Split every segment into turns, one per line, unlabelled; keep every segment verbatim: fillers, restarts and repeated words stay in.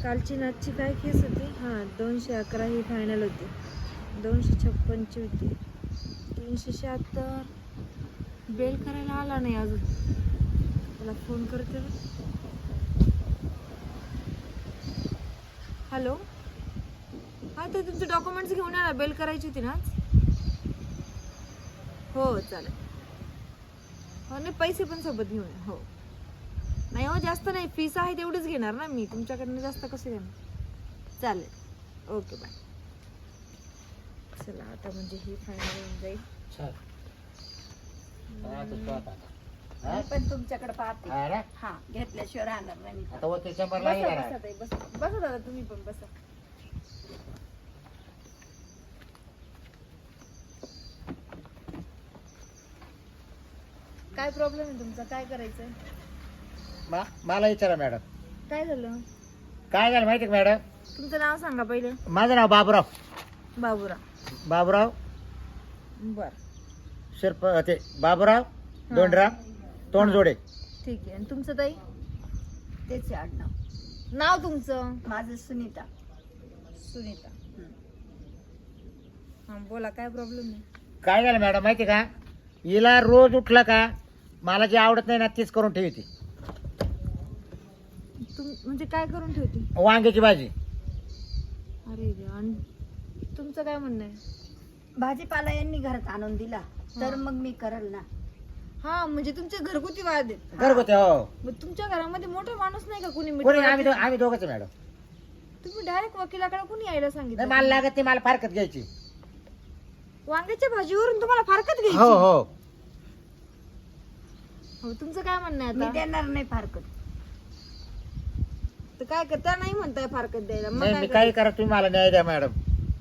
कालची नाचची काय केस होती? हां, दोनशे अकरा ही फायनल होती. दोनशे छप्पनची होती. तीनशे शहात्तर बेल करायला आला नाही अजून. त्याला फोन करते. हॅलो, हां ते तुमचे डॉक्युमेंट्स घेऊन या ना, बेल करायची होती ना आज. हो चालेल. हो नाही, पैसे पण सोबत घेऊन या. हो नाही हो, जास्त नाही, फीस आहे तेवढीच घेणार ना मी, तुमच्याकडनं जास्त कसे घेणार. चालेल, ओके बाय. चला आता म्हणजे ही फायनल होऊन जाईल.
मी पण तुमच्याकडे पाहते.
अरे
हा, घेतल्याशिवाय राहणार नाही मी.
आता होते शंभर
बसा
लागेल
बसा ताई, बसा बसा दादा, तुम्ही पण बसा. काय प्रॉब्लेम आहे तुमचा? काय करायचंय?
मला विचारा मॅडम,
काय झालं?
काय झालं माहिती का मॅडम?
तुमचं नाव सांगा पहिले.
माझं नाव बाबूराव.
बाबूराव.
बाबूराव
बर,
शिरप ते बाबूराव दोंडराव तोंडजोडे.
ठीक आहे. आणि तुमचं ताई?
तेच आडनाव.
नाव तुमचं?
माझं सुनीता.
सुनीता. हा बोला, काय प्रॉब्लेम आहे?
काय झालं मॅडम माहिती का, हिला रोज उठलं का मला जे आवडत नाही ना तीच करून ठेवते.
तुम म्हणजे काय करून ठेवते?
वांग्याची भाजी.
अरे देवा. आणि तुमचं काय म्हणणं आहे?
भाजीपाला यांनी घरात आणून दिला तर मग मी करल ना.
हा म्हणजे तुमचे घरगुती वाद आहेत.
घरगुती. हो.
मग तुमच्या घरामध्ये मोठा माणूस नाही का कुणी?
कोणी?
मिटवायला?
आम्ही दो- आम्ही दोघंच मॅडम.
तुम्ही डायरेक्ट वकिलाकडे कुणी यायला
नाही
सांगितलं?
मला लागत ती, मला फारकत घ्यायची.
वांग्याच्या भाजीवरून तुम्हाला फारकत घ्यायची?
हो हो.
हो, तुमचं काय म्हणणं आहे
मी
आता?
देणार नाही फारकत.
तर काय करता? नाही म्हणताय फारकत द्यायला, मग
नाही
काय
मी
करायचं?
काही करा, तुम्ही मला न्याय द्या मॅडम.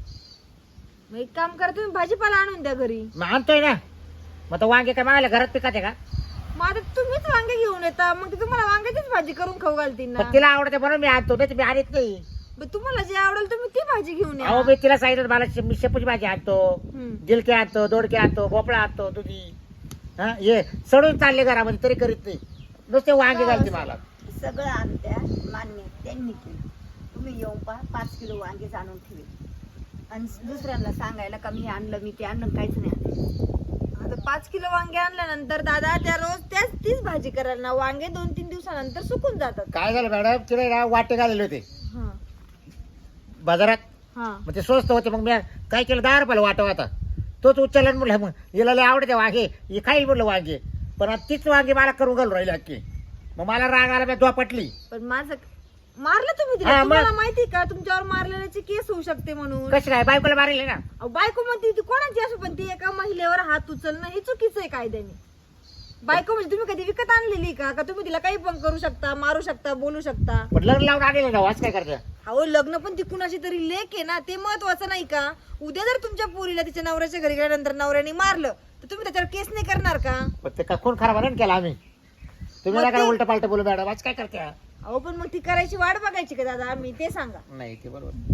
मग एक काम करा, तुम्ही भाजीपाला आणून द्या घरी.
मग आणतोय ना. मग आता वांगे काय मागल्या घरात पिकाते का?
मग आता तुम्हीच वांगे घेऊन येता, मग ते तुम्हाला वांग्याचीच भाजी करून खाऊ घालतील ना.
पण तिला आवडते म्हणून मी आणतो, नाही तर मी आणत नाही.
मग तुम्हाला जे आवडेल तुम्ही ती भाजी घेऊन या.
अहो मी तिला सांगितलं मला शे- मी शेपूची भाजी आणतो,
हम्म.
गिलके आणतो, दोडके आणतो, भोपळा आणतो, दुधी. हा ये सडून चालले घरामध्ये तरी करीत नाही, नुसते वांगे घालते मला.
सगळं आणत्या मान्य त्यांनी केलं. तुम्ही येऊन पहा, पाच किलो वांगेच आणून ठेवे आणि दुसऱ्यांना सांगायला का मी आणलं मी ते आणलं, काहीच नाही आणलं.
आता पाच किलो वांगे आणल्यानंतर दादा त्या रोज त्याच तीच भाजी करायला ना, वांगे दोन तीन दिवसानंतर सुकून जातात.
काय झालं मॅडम, तिला ना वाटे घालेले होते
हा
बाजारात,
हा.
मग ते स्वस्त होते. मग मी काय केलं, दहा रुपयाला वाटा होता, तोच उचलला आणि म्हणलं मग हिला लय आवडते वांगे, ही खाईल म्हणलं वांगे, पण आता तीच वांगे मला करून घालून राहिले अख्खी. मग मला राग आला, मी पटली.
पण माझं मारलं तुम्ही तिला?
हा, मग-
तुम्हाला माहिती का तुमच्यावर मारलेल्याची केस होऊ शकते म्हणून?
कशी काय बायकोला मारेल ना?
अहो, बायको म्हणते ती कोणाची असो, पण ती एका महिलेवर हात उचलणं हे चुकीचं आहे कायद्याने. बायको म्हणजे तुम्ही कधी विकत आणलेली का? का तुम्ही तिला काही पण करू शकता, मारू शकता, बोलू शकता?
पण लग्न लावून आलेलं ना, वाच काय करता?
अहो लग्न पण ती कुणाची तरी लेक आहे ना, ते महत्वाचं नाही का? उद्या जर तुमच्या पोरीला तिच्या नवऱ्याच्या घरी गेल्यानंतर नवऱ्याने मारलं तर तुम्ही त्याच्यावर केस नाही करणार का?
पण ते का खून खराब नाही केला आम्ही. तुम्ही
मग
नका
ते-
उलट पालट बोलू मॅडम, आज काय करते?
अहो पण मग ती करायची वाट बघायची का दादा आम्ही? ते सांगा.
नाही ते बरोबर.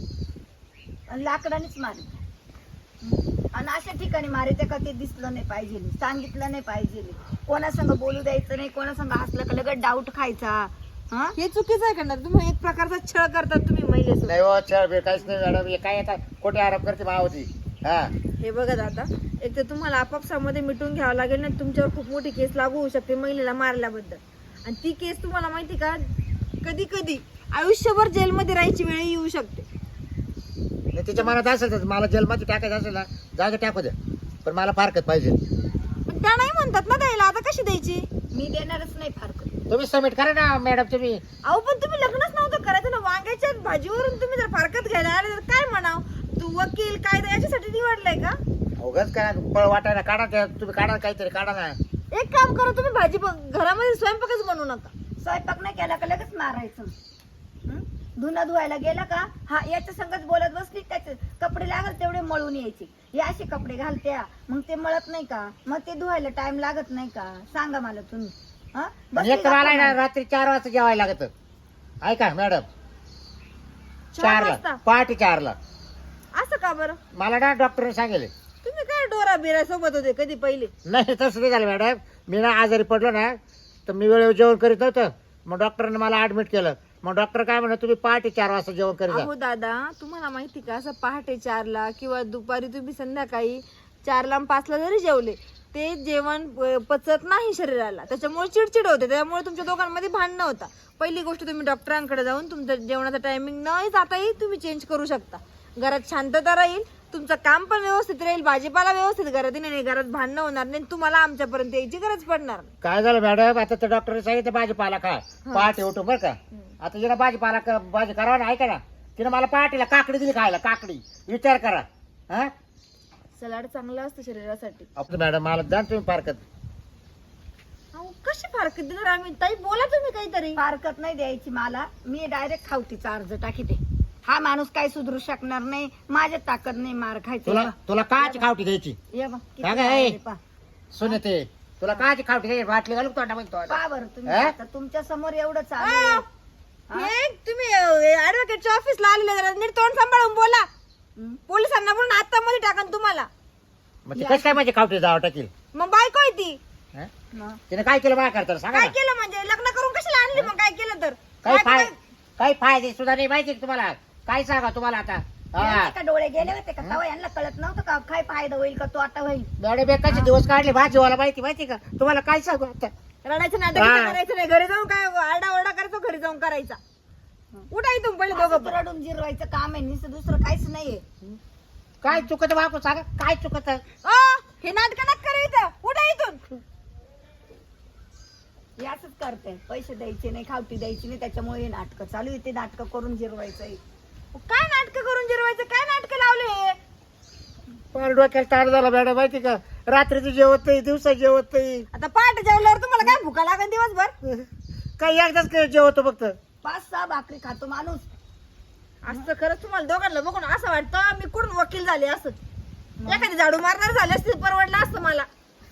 आणि लाकडानेच मारे आणि अशा ठिकाणी मारायचं का ते दिसलं नाही पाहिजे, सांगितलं नाही पाहिजे, कोणासंग बोलू द्यायचं नाही, कोणासंग हसलं का लगेच डाऊट खायचा. हा,
हे चुकीचं आहे का? तुम्ही एक प्रकारचा छळ करतात तुम्ही महिलेसोबत.
नाही हो, छळ बे काहीच नाही मॅडम, हे काय आता खोटे आरोप करते मावती. हा
हे बघा दादा, एक तर तुम्हाला आपापसामध्ये मिटून घ्यावं लागेल ना, तुमच्यावर खूप मोठी केस लागू होऊ शकते महिलेला मारल्याबद्दल. आणि ती केस तुम्हाला माहिती का, कधी कधी आयुष्यभर जेलमध्ये राहायची वेळ येऊ शकते.
नाही तिच्या मनात असेल तर मला जेलमध्ये टाकायचं असेल ना, जागा टाकू द्या, पण मला फारकत पाहिजे.
पण त्या नाही म्हणतात ना द्यायला, आता कशी द्यायची?
मी देणारच नाही फारकत.
तुम्ही सबमिट करा ना मॅडम तुम्ही.
अहो पण तुम्ही लग्नच नव्हतं करायचं ना, वांग्याच्या भाजीवरून तुम्ही जर फारकत घ्यायला आले तर काय म्हणाव? तू वकील कायदा याच्यासाठी निवडलाय का?
अवघच काय फळ वाटायला काढा, त्या तुम्ही काढा काहीतरी काढा ना.
एक काम करा, तुम्ही भाजी ब- घरामध्ये स्वयंपाकच बनवू नका.
स्वयंपाक नाही केला का लगेच मारायचं. हं? धुणं धुवायला गेला का हा याच्या संगच बोलत बसली, त्याचे कपडे लागत तेवढे मळून यायचे, हे असे कपडे घालत्या मग ते मळत नाही का, मग ते धुवायला टाइम लागत नाही का? सांगा मला तुम्ही. हं? बसली
एक तर मला आहे ना
गप्पा
रात्री चार वाजता जेवायला लागत. ऐका मॅडम,
चार
चारला
वाजता
पहाटे चारला.
असं का बरं?
मला ना डॉक्टरने सांगितले.
तुम्ही काय डोरा बिरा सोबत होते कधी पहिले?
नाही तसं नाही झालं मॅडम, मी ना आजारी पडलो ना तर मी वेळेवर जेवण करीत नव्हतं, मग डॉक्टरने मला ऍडमिट केलं. मग डॉक्टर काय म्हणत तुम्ही पहाटे चार वाजता जेवण करी जा.
अहो दादा तुम्हाला माहिती का असं पहाटे चारला किंवा दुपारी तुम्ही संध्याकाळी चारला आणि पाचला जरी जेवले ते जेवण प- पचत नाही शरीराला, त्याच्यामुळे चिडचिड होते, त्यामुळे तुमच्या दोघांमध्ये भांडणं होता. पहिली गोष्ट तुम्ही डॉक्टरांकडे जाऊन तुमचं जेवणाचा टायमिंग न जाताही तुम्ही चेंज करू शकता. घरात शांतता राहील, तुमचं काम पण व्यवस्थित राहील, भाजीपाला व्यवस्थित घरात येईल, घरात भांडणं होणार नाही, तुम्हाला आमच्यापर्यंत यायची गरज पडणार नाही.
काय झालं मॅडम, आता त्या डॉक्टरने सांगितलं भाजीपाला खा पहाटे उठून बरं का. आता जिला भाजीपाला क- भाजी करावा ना ऐका ना, तिने मला पहाटेला काकडी दिली खायला, काकडी. विचार करा. हा
सलाड चांगलं असतं शरीरासाठी.
आपलं मॅडम मला द्या ना तुम्ही फारकत.
अहो कशी फारकत देणार आम्ही? ताई बोला तुम्ही काहीतरी.
फारकत नाही द्यायची मला, मी डायरेक्ट खावतीचा अर्ज टाकीते. हा माणूस काय सुधरू शकणार नाही, माझ्या ताकद नाही मार खायचं.
तुला तुला काची खावटी द्यायची
ये बा, किती
काय गं,
आहे
ए?
पहा.
सुने ते तुला काची खावटी द्यायची बाटली घालू तोंडामध्ये तो
पहा बरं तुम्ही,
हा?
आता तुमच्या समोर एवढं चालू आहे. हा?
हे तुम्ही ऍडव्होकेटच्या ऑफिसला आलेले जरा नीट तोंड सांभाळून बोला.
हं?
पोलिसांना बोलून आता मध्ये टाकन तुम्हाला.
मग ते कसं काय माझी खावटी जावं टाकील.
मग बायको आहे ती.
हा?
मग
तिने काय केलं माझ्या करता सांगा
काय
ना.
केलं म्हणजे लग्न करून कशाला आणली? मग काय केलं तर
काही
काय-
फाय काही फायदे सुद्धा नाही माहिती का तुम्हाला. काय सांगा तुम्हाला आता. हा
यांचे का डोळे गेले होते का तेव्हा यांना कळत नव्हतं का काय फायदा होईल का तो आता होईल.
मॅडम एकाचे दिवस काढले भाजीवाला माहिती माहिती का तुम्हाला. काय सांगू आता.
रडायचं नाटक
हा.
इथं करायचं नाही. घरी जाऊन काय आरडा ओरडा करायचो, घरी जाऊन करायचा. उठा इथून पहिले दोघं
असंच रडून जिरवायचं काम आहे, नुसतं दुसरं काहीच नाहीये.
काय चुकत वाकू सांगा काय चुकत.
अ, हे नाटक नका करू इथं. उठा इथून.
हे असंच करते, पैसे द्यायचे नाही, खावटी द्यायची नाही, त्याच्यामुळे हे नाटकं चालू आहे. ते नाटकं करून जिरवायचं.
काय नाटक करून जिरवायचं? काय नाटक लावले?
फार डोक्याला तार झाला मॅडम माहिती का. रात्रीचं जेवत नाही, दिवसा जेवत नाही,
आता पहाटे जेवल्यावर तुम्हाला काय भुका लागेल दिवसभर?
काही एकदाच काय जेवतो फक्त.
पाच सहा भाकरी खातो माणूस.
असं खरंच तुम्हाला दोघांना बघून असं वाटतं मी कुठून वकील झाले असं. एखादी झाडू मारणार झाले असते परवडलं असतं मला.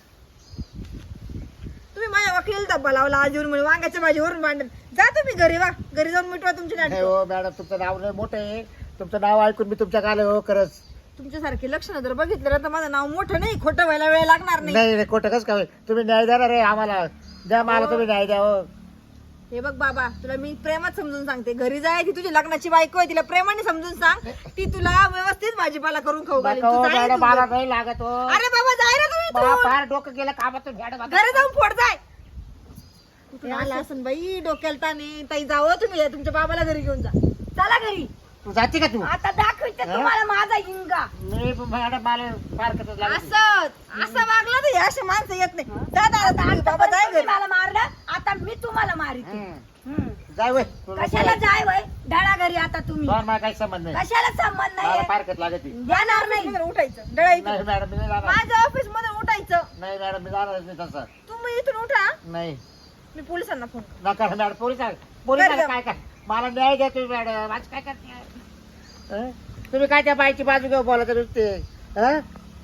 तुम्ही माझ्या वकील धब्बा लावला आज येऊन म्हणे वांग्याच्या भाजीवरून भांडण. जा तुम्ही घरी, वा घरी जाऊन मिटवा तुमची
नाही
नाटक.
हो मॅडम, तुमचं नाव नाही मोठं आहे. तुमचं नाव ऐकून मी तुमच्या आले हो खरंच.
तुमच्यासारखे लक्षण जर बघितलं ना तर माझं नाव मोठं नाही, खोटं व्हायला वेळ लागणार नाही.
नाही नाही खोटं कसं काय. तुम्ही न्याय देणार आहे आम्हाला. द्या मला तुम्ही न्याय द्या हो.
हे बघ बाबा, तुला मी प्रेमात समजून सांगते. घरी जाय, ती तुझी लग्नाची बायको आहे, तिला प्रेमाने समजून सांग. ती तुला व्यवस्थित भाजीपाला करून खाऊ घालील.
नका
तू
हो
जाय
मॅडम,
इथून
मला
घरी.
नाही लागत हो.
अरे बाबा जाय ना तू
मला
इथून.
फार डोकं गेलं कामातून मॅडम.
घरी जाऊन फोड जाय. कुठून आला असं बाई डोक्याला ताने. ताई जावं तुम्ही, तुमच्या बाबाला घरी घेऊन जा.
चला घरी,
तू जाते का तू.
आता दाखवते
हा?
तुम्हाला माझा हिंगा.
मी मॅडम मला फार कसं लागत.
असं असं वागलं तर हे असे माणसं येत नाही. जा दादा,
आता
तुम्ही बाबा जाय
आतापर्यंत
घरी.
तुम्ही मला मारलं, आता मी तुम्हाला मारिते.
हम्म.
हम्म.
जाय वय.
कशाला जाय वय ढळा घरी आता तुम्ही.
मला काही संबंध नाही.
कशाला संबंध
मला
नाही
फार कसं लागत.
देणार नाही.
ऑफिसमधून उठायचं, डळायचं.
नाही मॅडम मी नाही जाणार.
माझ्या ऑफिस मध्ये उठायचं.
नाही मॅडम मी जाणारच नाही तसं.
तुम्ही इथून उठा,
नाही
मी पोलिसांना फोन.
नका मॅडम. पोलीस पोलिसाला
बरं.
काय काय मला न्याय द्या तुम्ही मॅडम. माझं काय करते हं? तुम्ही काय त्या बाईची बाजू घेऊ बोलत नुसते हं?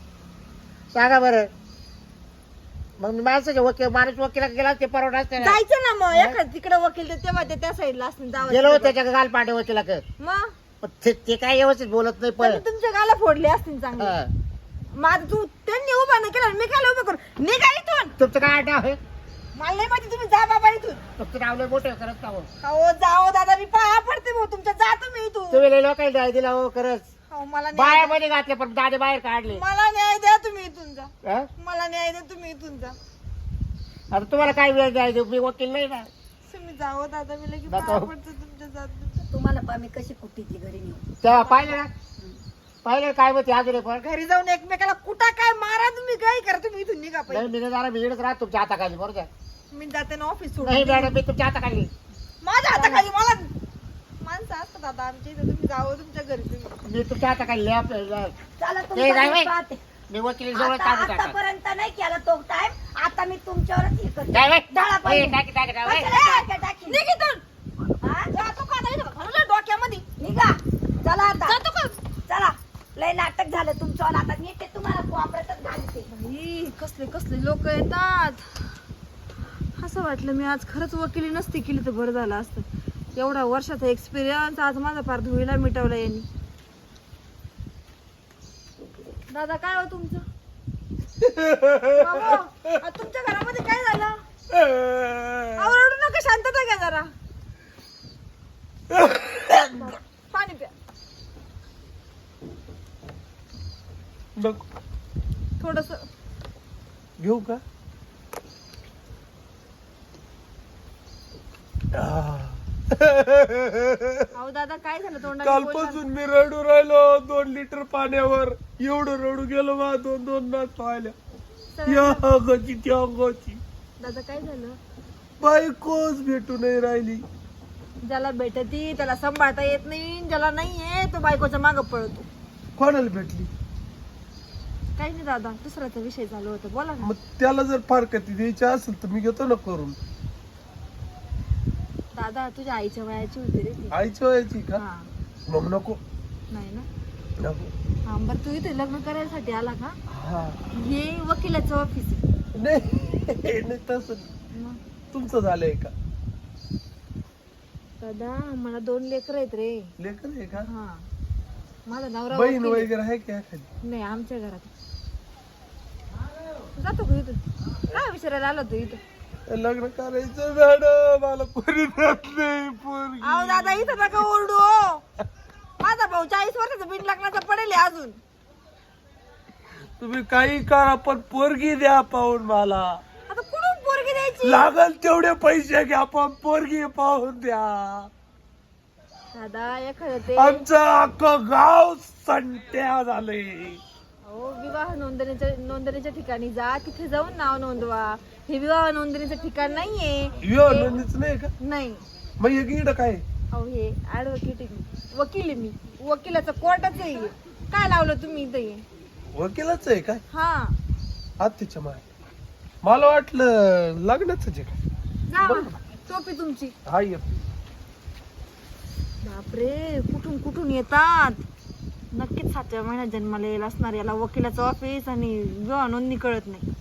सांगा बरं. मग मी माणसाच्या वकील माणूस वकिला गेला ते परवडा असते ना.
जायचं ना मग एखाद तिकडे वकील ते तेव्हा ते त्या साईडला असतील. जावं
गेलो
तिकडे.
त्याच्या गाल पांडे वकिला कर.
मग
पण ते ते काय व्यवस्थित बोलत नाही पण.
त्यांनी तुमच्या गाला फोडले असतील चांगले.
हं.
माझं तू त्यांनी उभा नाही केला, मी काय उभं करू? निघा इथून.
तुमचं काय नाव आहे.
मला नाही माहिती, तुम्ही जा बाबा इथून.
तुमचं नाव लय मोठं आहे, खरंच का हो.
हो जाओ दादा, मी पाया पडते भाऊ तुमच्या. जा तुम्ही इथून.
तुम्ही लय लोकांना न्याय दिला हो खरंच.
हो, मला न्याय
बाया
द्या.
मध्ये घातले पण दादे बाहेर काढले.
मला न्याय द्या, तुम्ही इथून जा.
हं?
मला न्याय द्या, तुम्ही इथून जा.
आता तुम्हाला काय वेळ न्याय देऊ. मी वकील नाही ना.
तुम्ही जाओ दादा, मी लगेच
नको.
पाया पडते तुमच्या. जात
तुम्हाला पहा मी कशी कुटीची घरी नेऊ.
तेव्हा पाहिलं ना पाहिलं काय होते अजून पण.
घरी जाऊन एकमेकाला कुठं काय मारा, तुम्ही काय करा, तुम्ही इथून निघा
नाही
पाहिजे.
मी नाही जाणार. मी इकडेच राहत तुमच्या हाताखाली बरोबर का?
मी जाते ना ऑफिस
नाही
सोडून.
मॅडम मी तुमच्या हाताखाली.
माझ्या हाताखाली मला माणसं असतात आता आमच्या इथं. तुम्ही जावं तुमच्या घरी तुम्ही.
मी तुमच्या हाताखाली लय आपलं-
चला
ते
तुमचा
जाय
मी
बाई.
पाहते.
मी वकील जवळ
आता
काढू टाका.
आतापर्यंत नाही केला तो टाइम, आता मी तुमच्यावरच हे करते.
जाय बाई.
ढळा
ए,
पाहिजे.
टाकी, टाकी, टाकी, बाई.
कशाला टाकी, टाकी?
निघ इथून.
हा?
जातो का आता इथं? घालून डोक्यामध्ये.
निघा. चला आता.
जातो का?
चला लय नाटक झालं तुमचं. आता नीट ते तुम्हाला कोपऱ्यातच घालते.
बाई, कसले कसले लोक येतात. असं वाटलं मी आज खरंच वकिली नसती केली तर बरं झालं असतं. एवढा वर्षाचा एक्सपिरियन्स आज माझा फार धुळीला मिटवला यांनी. दादा काय हो तुमचं? बाबा, आज तुमच्या घरामध्ये काय झालं? आवरडू नका, शांतता घ्या जरा. पाणी प्या
नको
थोडस.
घेऊ का? आह.
अहो दादा काय झालं तोंडाला बोल ना.
कालपासून मी रडू राहिलो दोन लिटर पाण्यावर. एवढं रडू गेलो बा दोन दोन नाच पाहिल्या. या अंगाची त्या अंगाची
दादा काय झालं?
बायकोच भेटू नाही राहिली.
ज्याला भेटती त्याला सांभाळता येत नाही, ज्याला नाहीये तो बायकोच्या मागं पळतो.
कोणाला भेटली?
काही नाही दादा, दुसऱ्याचा विषय चालू होता, बोला ना.
मग त्याला जर फारकती द्यायची असेल तर मी घेतो ना करून.
दादा तुझ्या आईच्या वयाची होती रे ती.
आईच्या वयाची का?
हा.
मग नको
नाही ना.
नको.
हा बरं, तू इथे लग्न करायसाठी आला का?
हा
हे वकिलाचं ऑफिस आहे.
नाही नाही तसं
मग
तुमचं झालंय का?
दादा मला दोन लेकर आहेत रे.
लेकर आहे का?
हा माझा नवरा
बहीण
वकील आहे.
वगैरे आहे का एखादी?
नाही आमच्या घरात. जातो का इथं? काय विचारायला आलो तू इथं?
लग्न करायचं मॅडम, मला पोरी देत नाही पोरगी.
अहो दादा इथं नका ओरडू हो. माझा भाऊ चाळीस वर्षाचा बिन लग्नाचा पडेल आहे अजून.
तुम्ही काही करा पण पोरगी द्या पाहून मला.
आता कुठून पोरगी द्यायची?
लागल तेवढे पैसे घ्या पण पोरगी पाहून द्या.
दादा एखादं ते
आमचं अख्खं गाव संट्या झालंय.
अहो विवाह नोंदणीच्या नोंदणीच्या ठिकाणी जा, तिथे जाऊन नाव नोंदवा. हे विवाह नोंदणीचं ठिकाण नाहीये.
यो नोंदणीच नाही का?
नाही.
मग एक इकडं काय?
अहो हे ऍडव्होकेट वकील आहे मी. वकिलाचं कोर्टाचं आहे. काय लावलं तुम्ही इथं हे?
वकिलाच आहे काय?
हा
आत्तीच्या माय मला वाटलं लग्नाच आहे काय.
जा टोपी तुमची.
हा ये.
बापरे कुठून कुठून येतात. नक्कीच सातव्या महिन्यात जन्माला येईल असणार. याला वकिलाचं ऑफिस आणि विवाह नोंदणी कळत नाही.